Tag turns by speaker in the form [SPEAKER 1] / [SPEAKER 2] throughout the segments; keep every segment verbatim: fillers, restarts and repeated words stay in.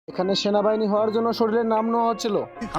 [SPEAKER 1] এখানে সেনাবাহিনী হওয়ার জন্য শরীরের নাম নেওয়া হচ্ছিল।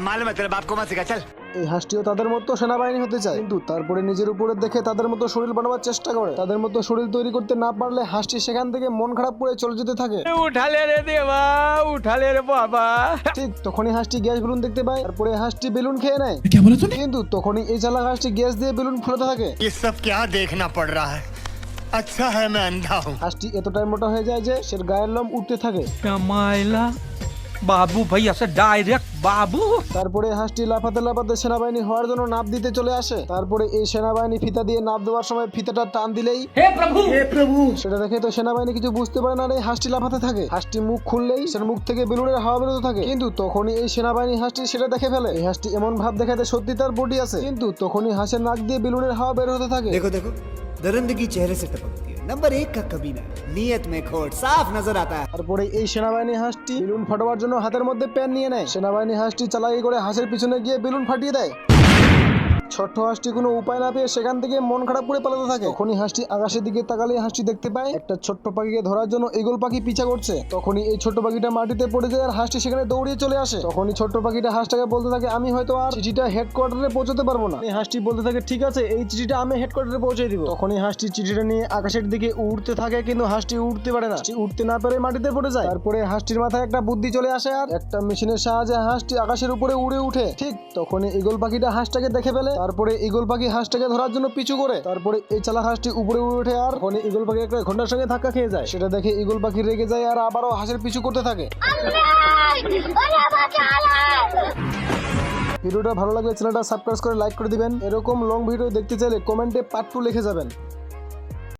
[SPEAKER 1] এই হাঁসটিও তাদের মতো সেনাবাহিনী হতে চায়, কিন্তু তারপরে নিজের উপরে দেখে তাদের মতো শরীর বানাবার চেষ্টা করে। তাদের মতো শরীর তৈরি করতে না পারলে হাঁসটি সেখান থেকে মন খারাপ করে চলে যেতে থাকে।
[SPEAKER 2] উঠালে রে দেবা, উঠালে রে বাবা।
[SPEAKER 1] ঠিক তখনই হাঁসটি গ্যাস বেলুন দেখতে পায়, তারপরে হাঁসটি বেলুন খেয়ে নেয়। কিন্তু তখনই এই চালাক হাঁসটি গ্যাস দিয়ে বেলুন ফুলাতে থাকে।
[SPEAKER 3] ये सब क्या देखना पड़ रहा है? अच्छा है मैं अंधा हूँ।
[SPEAKER 1] হাঁসটি এতটাই মোটা হয়ে যায় যে সে গায়ের লোম উঠতে থাকে।
[SPEAKER 2] কামাইলা বাবু ভাই আসে ডাইরেক্ট বাবু।
[SPEAKER 1] তারপরে হাঁসটি লাফাতে লাফাতে সেনাবাহিনী হওয়ার জন্য নাপ দিতে চলে আসে। তারপরে এই সেনাবাহিনী ফিতা দিয়ে নাপ দেওয়ার সময় ফিতাটা টান দিলেই
[SPEAKER 2] হে প্রভু, হে প্রভু।
[SPEAKER 1] সেটা দেখে তো সেনাবাহিনী কিছু বুঝতে পারে না, এই হাঁসটি লাফাতে থাকে। হাঁসটি মুখ খুললেই সের মুখ থেকে বেলুনের হাওয়া বেরোতে থাকে। কিন্তু তখনই এই সেনাবাহিনী হাঁসটি সেটা দেখে ফেলে। এই হাঁসটি এমন ভাব দেখাতে সত্যি তার বডি আছে, কিন্তু তখনই হাঁসের নাক দিয়ে বেলুনের হাওয়া বের হতে থাকে।
[SPEAKER 4] देखो देखो दरिंदगी चेहरे से टपकती है। नंबर एक का कमीना, नियत में खोट साफ नजर आता है।
[SPEAKER 1] তারপরে এই সেনাবাহিনী হাঁসটি বেলুন ফাটাবার জন্য হাতের মধ্যে পেন নিয়ে নেয়। সেনাবাহিনী হাঁসটি চালাকি করে হাঁসের পিছনে গিয়ে বেলুন ফাটিয়ে দেয়। ছোট্ট হাঁসটি কোনো উপায় না পেয়ে সেখান থেকে মন খারাপ করে পালাতে থাকে। তখনই হাঁসটি আকাশের দিকে তাকালে হাঁসটি দেখতে পায় একটা ছোট্ট পাখিকে ধরার জন্য ঈগল পাখি পিছা করছে। তখনই এই ছোট্ট পাখিটা মাটিতে পড়ে যায় আর হাঁসটি সেখানে দৌড়িয়ে চলে আসে। তখনই ছোট্ট পাখিটা হাঁসটাকে বলতে থাকে, আমি হয়তো আর চিঠিটা হেডকোয়ার্টারে পৌঁছতে পারবো না। এই হাঁসটি বলতে থাকে, ঠিক আছে এই চিঠিটা আমি হেডকোয়ার্টারে পৌঁছে দিব। তখনই হাঁসটি চিঠিটা নিয়ে আকাশের দিকে উড়তে থাকে, কিন্তু হাঁসটি উঠতে পারে না। হাঁসটি উঠতে না পেরে মাটিতে পড়ে যায়। তারপরে হাঁসটির মাথায় একটা বুদ্ধি চলে আসে আর একটা মেশিনের সাহায্যে হাঁসটি আকাশের উপরে উড়ে উঠে। ঠিক তখনই ঈগল পাখিটা হাঁসটাকে দেখে ফেলে। তারপরে ঈগল পাখি হাঁসটাকে ধরার জন্য পিছু করে। তারপরে এই চালাক হাঁসটি উপরে উড়ে ওঠে আর তখন ঈগল পাখি একটা ঘন্টার সঙ্গে ধাক্কা খেয়ে যায়। সেটা দেখে ঈগল পাখি রেগে যায় আর আবারও হাঁসের পিছু করতে থাকে। ভিডিওটা ভালো লাগলে চ্যানেলটা সাবস্ক্রাইব করে লাইক করে দিবেন। এরকম লং ভিডিও দেখতে চাইলে কমেন্টে পার্ট টু লিখে যাবেন।